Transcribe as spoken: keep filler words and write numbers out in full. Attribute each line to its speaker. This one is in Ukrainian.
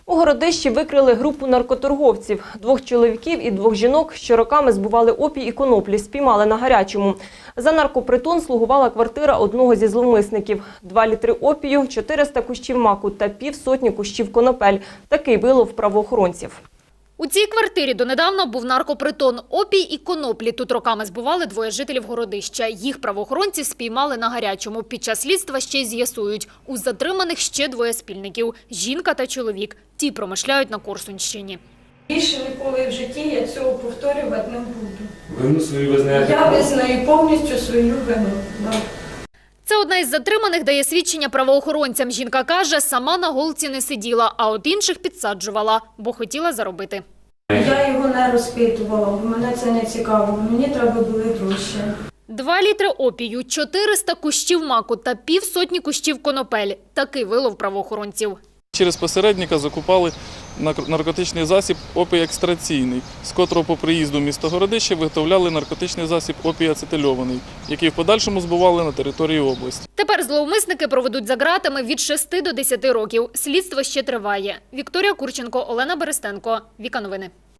Speaker 1: У Городищі викрили групу наркоторговців. Двох чоловіків і двох жінок, що роками збували опій і коноплі, спіймали на гарячому. За наркопритон слугувала квартира одного зі зловмисників. Два літри опію, чотириста кущів маку та півсотні кущів конопель. Такий вилов правоохоронців.
Speaker 2: У цій квартирі донедавна був наркопритон. Опій і коноплі тут роками збували двоє жителів Городища. Їх правоохоронці спіймали на гарячому. Під час слідства ще й з'ясують. У затриманих ще двоє спільників – жінка та чоловік. Ті промишляють на Корсунщині.
Speaker 3: Більше ніколи в житті я цього повторювати не буду.
Speaker 4: Вину свою визнаєте?
Speaker 3: Я визнаю повністю свою вину. Да.
Speaker 2: Це одна із затриманих дає свідчення правоохоронцям. Жінка каже, сама на голці не сиділа, а от інших підсаджувала, бо хотіла заробити.
Speaker 3: Я його не розпитувала, бо мене це не цікаво. Мені треба були гроші.
Speaker 2: Два літри опію, чотириста кущів маку та півсотні кущів конопель. Такий вилов правоохоронців.
Speaker 5: Через посередника закупали наркотичний засіб опій екстраційний, з котрого по приїзду в місто Городище виготовляли наркотичний засіб опій ацетильований, який в подальшому збували на території області.
Speaker 2: Тепер зловмисники проведуть за ґратами від шести до десяти років. Слідство ще триває. Вікторія Курченко, Олена Берестенко. Віка Новини.